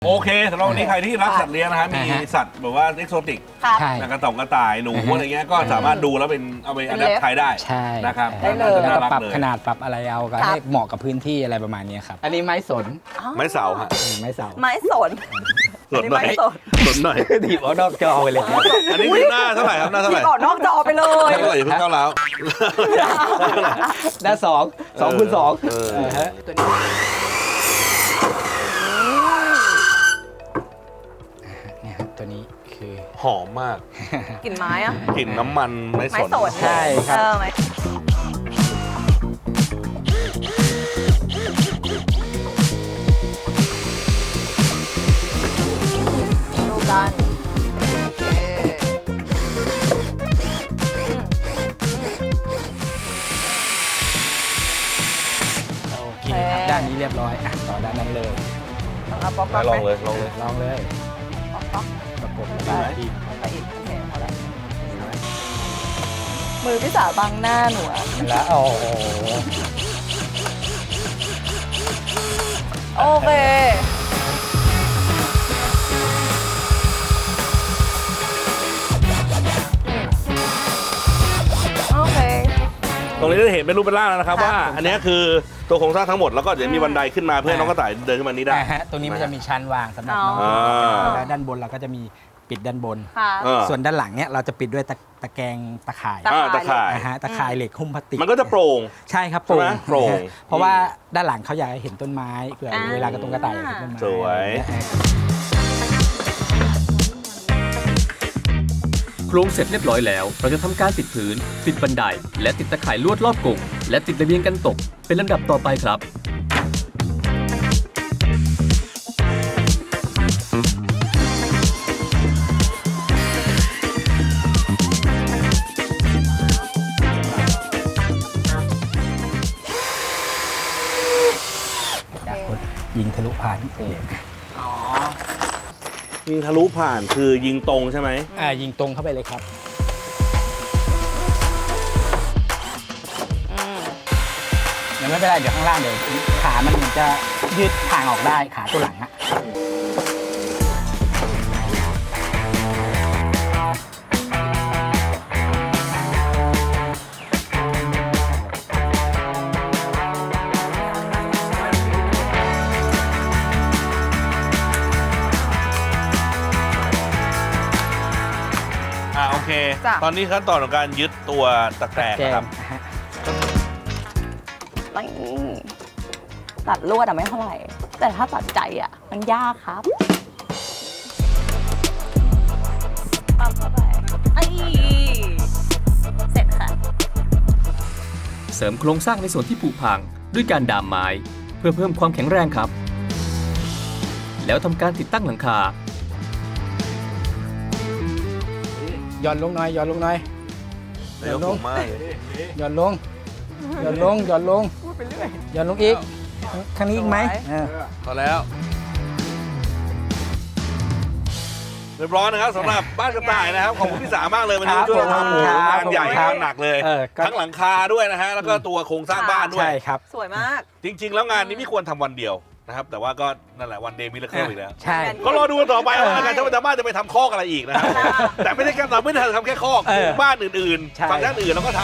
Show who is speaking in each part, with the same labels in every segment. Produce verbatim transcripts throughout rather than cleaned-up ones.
Speaker 1: โอเคสำหรับวันนี้ใครที่รักสัตว์เลี้ยงนะฮะมีสัตว์แบบว่าเอ็กโซติกกระต่องกระต่ายหนูอะไรเงี้ยก็สามารถดูแล้วเป็นเอาไปอัดแอปใช้ได้
Speaker 2: ใช่
Speaker 1: นะครับ
Speaker 2: ได้เลยแล้วก็ปรับขนาดปรับอะไรเอาก็ให้เหมาะกับพื้นที่อะไรประมาณนี้ครับอันนี้ไม้สน
Speaker 1: ไม้เสาฮะ
Speaker 2: ไม้เสา
Speaker 3: ไม้สน
Speaker 1: สนหน่อยสนหน่อย
Speaker 2: ถีบเอานอกจอไปเลย
Speaker 1: อันนี้คือหน้าเท่าไหร่ครับหน้าเท่าไหร่
Speaker 3: ถีบออกนอกจอไปเลย
Speaker 1: เท่าไหร่อย่าเพิ่งก้าวร้าว
Speaker 2: หน้าสองสองคูณสองตัวนี้เนี่ยครับตัวนี้คือ
Speaker 1: หอมมาก
Speaker 3: กลิ่นไม้อะ
Speaker 1: กลิ่นน้ำมันไม้สน
Speaker 2: ใช่ครับ
Speaker 3: ดูกัน
Speaker 2: โอเคครับด้านนี้เรียบร้อยอ่ะต่อด้านนั้นเลย
Speaker 1: ลองเลยลองเลย
Speaker 2: ลองเลยประกบได้
Speaker 3: อีกโอเคพอแล้วมือพี่สาวบังหน้าหนู
Speaker 2: แล้วโอ้โห
Speaker 3: โอเคโอเค
Speaker 1: ตรงนี้จะเห็นเป็นรูปเป็นร่างแล้วนะครับว่าอันนี้คือตัวโครงสร้างทั้งหมดแล้วก็เดี๋ยวมีบันไดขึ้นมาเพื่อน้องกระต่ายเดินขึ้นมานี้ได้
Speaker 2: ตรงนี้มันจะมีชั้นวางสำหรับน้องแล้วด้านบนเราก็จะมีปิดด้านบนส่วนด้านหลังเนี้ยเราจะปิดด้วยตะแกรงตะข่าย
Speaker 1: ตะข่าย
Speaker 2: นะฮะตะข่ายเหล็กหุ้มพลาสติก
Speaker 1: มันก็จะโปร่ง
Speaker 2: ใช่ครับโปร่งโปร่งเพราะว่าด้านหลังเขาอยากเห็นต้นไม้เผื่อเวลากระตุ้งกระต่ายเห็นต้นไม้
Speaker 1: สวย
Speaker 4: โครงเสร็จเรียบร้อยแล้วเราจะทำการติดพื้นติดบันไดและติดตะข่ายลวดรอบกรงและติดระเบียงกันตกเป็นลำดับต่อไปครับ
Speaker 2: ยิงทะลุผ่าน
Speaker 1: อ๋อยิงทะลุผ่านคือยิงตรงใช่ไหม
Speaker 2: อ่ายิงตรงเข้าไปเลยครับเดี๋ยวไม่เป็นไรเดี๋ยวข้างล่างเดี๋ยวขามันจะยืดทางออกได้ขาตัวหลังอะ
Speaker 1: โอเคตอนนี้ขั้นตอนของการยึดตัวตะแกรงครับ
Speaker 3: ตัดลวดอะไม่เท่าไหร่แต่ถ้าตัดใจอะมันยากครับปั๊มเข้าไปไอ้เสร็จค่ะ
Speaker 4: เสริมโครงสร้างในส่วนที่ผุพังด้วยการดามไม้เพื่อเพิ่มความแข็งแรงครับแล้วทำการติดตั้งหลังคา
Speaker 2: ย่อนลงหน่อยย่อนลงหน่อย
Speaker 1: ย่อนลง
Speaker 2: ย่อนลงย่อนลงย่อนลงย่อนลงอีกข้างนี้อีกไหม
Speaker 1: พอแล้วเรียบร้อยนะครับสำหรับบ้านกระต่ายนะครับขอบคุณพี่สามากเลยวันนี้ช่วยทำงานใหญ่งานหนักเลยทั้งหลังคาด้วยนะฮะแล้วก็ตัวโครงสร้างบ้านด้วย
Speaker 2: ใช่ครับ
Speaker 3: สวยมาก
Speaker 1: จริงๆแล้วงานนี้ไม่ควรทำวันเดียวนะครับแต่ว่าก็นั่นแหละวันเดย์มิราเคิลอีกแล้ว
Speaker 2: ใช่
Speaker 1: ก็รอดูกันต่อไปว่าการชาวบ้านจะไปทำคอกอะไรอีกนะครับแต่ไม่ได้แค่เราไม่ได้ทำแค่คอกบ้านอื่นๆฝั่งด้านอื่นเราก็ท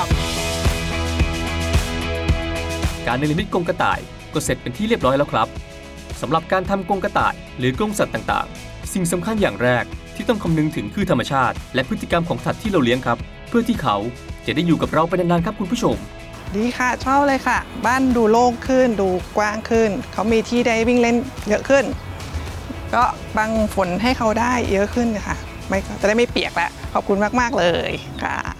Speaker 4: ำการเนรมิตกรงกระต่ายก็เสร็จเป็นที่เรียบร้อยแล้วครับสำหรับการทำกรงกระต่ายหรือกรงสัตว์ต่างๆสิ่งสำคัญอย่างแรกที่ต้องคำนึงถึงคือธรรมชาติและพฤติกรรมของสัตว์ที่เราเลี้ยงครับเพื่อที่เขาจะได้อยู่กับเราไปนานๆครับคุณผู้ชม
Speaker 5: ดีค่ะชอบเลยค่ะบ้านดูโล่งขึ้นดูกว้างขึ้นเขามีที่ได้วิ่งเล่นเยอะขึ้นก็บังฝนให้เขาได้เยอะขึ้นค่ะไม่จะได้ไม่เปียกแล้วขอบคุณมากๆเลยค่ะ